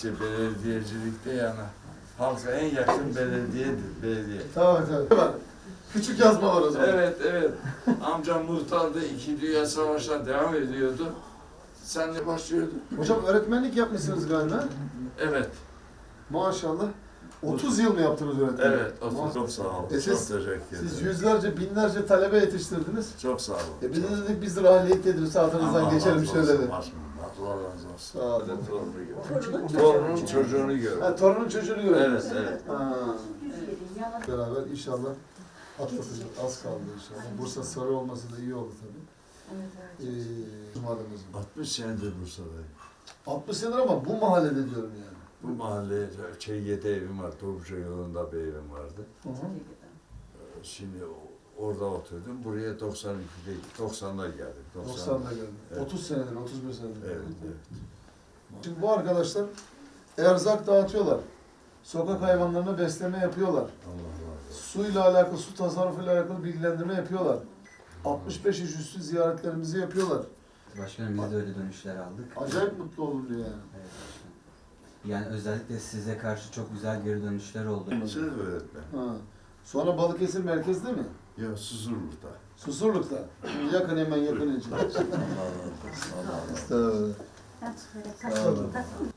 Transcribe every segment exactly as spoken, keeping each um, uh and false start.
işte belediyecilikte yani halka en yakın belediyedir, belediye. Tabii tabii. Küçük yazma var o zaman. Evet, evet. Amcam muhtardı, iki Dünya Savaşı'na devam ediyordu. Sen de başlıyordun. Hocam öğretmenlik yapmışsınız galiba. Evet, Maşallah. otuz yıl mı yaptınız öğretmenlik? evet. Otuz. Çok sağ ol. E Çok siz- teşekkür ederim. Siz yüzlerce, binlerce talebe yetiştirdiniz. Çok sağ ol. E biz de dedik biz de rahiyet tedrisatınızdan geçelim şöyle dedik. Allah razı olsun. Sağ olun. Torununu gör. Torunun çocuğunu gör. Ha, torunun çocuğunu gördünüz. Evet, evet. Ha. Beraber inşallah atlatacağız. Az kaldı inşallah. Bursa sarı olması da iyi oldu tabii. Evet, evet. Ee, mahallemizin. altmış senedir Bursa'dayım. altmış senedir ama bu mahallede diyorum yani. Bu mahallede Çeyye'de evim var, Topçu yolunda bir evim vardı. Hı hı. Şimdi orada oturdum. Buraya doksan ikide, doksanlar geldim. doksan'da geldim. Evet. otuz senedir, otuz bir senedir. Evet, evet. Şimdi bu arkadaşlar erzak dağıtıyorlar. Sokak hayvanlarına besleme yapıyorlar. Allah razı olsun. Suyla alakalı, su tasarrufuyla alakalı bilgilendirme yapıyorlar. altmış beş yaş üstü ziyaretlerimizi yapıyorlar. Başkanım biz de öyle dönüşler aldık. Acayip mutlu oldum diyor yani. Evet başkanım. Yani özellikle size karşı çok güzel geri dönüşler oldu. Siz öğretmen. Ha. Sonra Balıkesir merkezde mi? Ya Susurluk'ta. Susurluk'ta. Yakın hemen yakın için. Allah razı olsun. Allah razı olsun. Sağ olun.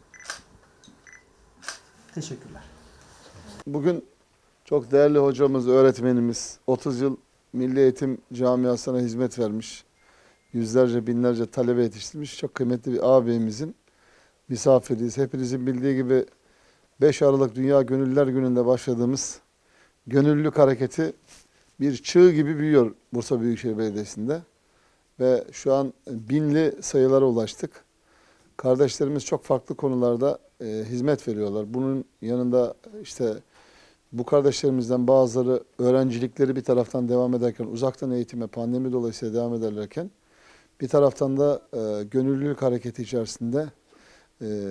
Teşekkürler. Bugün çok değerli hocamız, öğretmenimiz, otuz yıl Milli Eğitim Camiası'na hizmet vermiş, yüzlerce, binlerce talebe yetiştirmiş çok kıymetli bir ağabeyimizin misafiriyiz. Hepinizin bildiği gibi beş Aralık Dünya Gönüllüler Günü'nde başladığımız gönüllülük hareketi bir çığ gibi büyüyor Bursa Büyükşehir Belediyesi'nde. Ve şu an binli sayılara ulaştık. Kardeşlerimiz çok farklı konularda e, hizmet veriyorlar. Bunun yanında işte bu kardeşlerimizden bazıları öğrencilikleri bir taraftan devam ederken, uzaktan eğitime pandemi dolayısıyla devam ederlerken, bir taraftan da e, gönüllülük hareketi içerisinde e,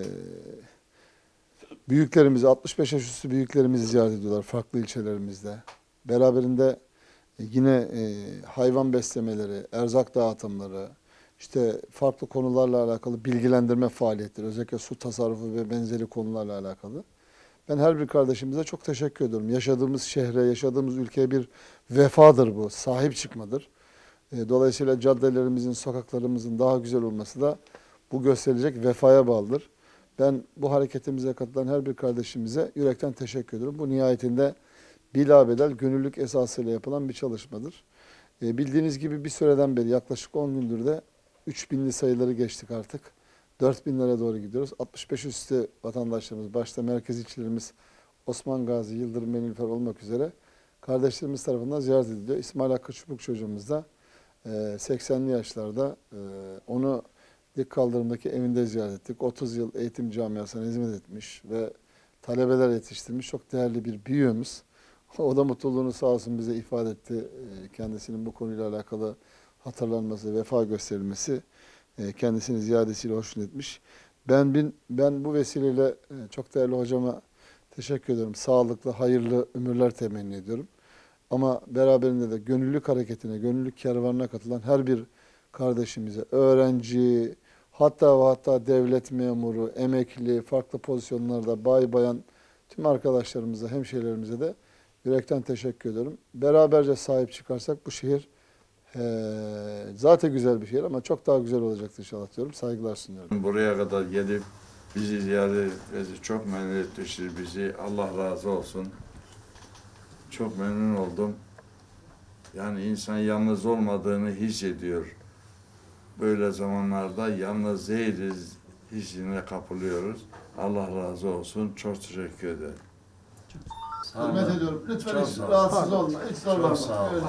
büyüklerimizi, altmış beş yaş üstü büyüklerimizi ziyaret ediyorlar farklı ilçelerimizde. Beraberinde yine e, hayvan beslemeleri, erzak dağıtımları, işte farklı konularla alakalı bilgilendirme faaliyetleri, özellikle su tasarrufu ve benzeri konularla alakalı. Ben her bir kardeşimize çok teşekkür ediyorum. Yaşadığımız şehre, yaşadığımız ülkeye bir vefadır bu, sahip çıkmadır. E, dolayısıyla caddelerimizin, sokaklarımızın daha güzel olması da bu gösterilecek vefaya bağlıdır. Ben bu hareketimize katılan her bir kardeşimize yürekten teşekkür ediyorum. Bu nihayetinde bilabedel gönüllülük esasıyla yapılan bir çalışmadır. E, bildiğiniz gibi bir süreden beri yaklaşık on gündür de üç binli sayıları geçtik artık. dört binlere doğru gidiyoruz. altmış beş üstü vatandaşlarımız, başta merkez ilçelerimiz Osman Gazi, Yıldırım, Menilfer olmak üzere kardeşlerimiz tarafından ziyaret ediliyor. İsmail Hakkı Çubuk çocuğumuz da e, seksenli yaşlarda e, onu dik kaldırımdaki evinde ziyaret ettik. otuz yıl eğitim camiasına hizmet etmiş ve talebeler yetiştirmiş çok değerli bir büyüğümüz. O da mutluluğunu sağ olsun bize ifade etti. E, kendisinin bu konuyla alakalı hatırlanması, vefa gösterilmesi e, kendisini ziyadesiyle hoşnut etmiş. Ben bin, ben bu vesileyle e, çok değerli hocama teşekkür ediyorum. Sağlıklı, hayırlı ömürler temenni ediyorum. Ama beraberinde de gönüllülük hareketine, gönüllülük kervanına katılan her bir kardeşimize, öğrenci, hatta ve hatta devlet memuru, emekli, farklı pozisyonlarda bay bayan tüm arkadaşlarımıza, hemşehrilerimize de yürekten teşekkür ediyorum. Beraberce sahip çıkarsak bu şehir ee, zaten güzel bir şehir ama çok daha güzel olacaktır inşallah diyorum. Saygılar sunuyorum. Buraya kadar gelip bizi ziyaret etmesi çok memnun etmiştir bizi. Allah razı olsun. Çok memnun oldum. Yani insan yalnız olmadığını hissediyor. Böyle zamanlarda yalnız değiliz hissine kapılıyoruz. Allah razı olsun. Çok teşekkür ederim. Hürmet ediyorum. Lütfen Çok hiç sağ ol. rahatsız olma. Hiç Çok zorlanma. sağ ol. Öyle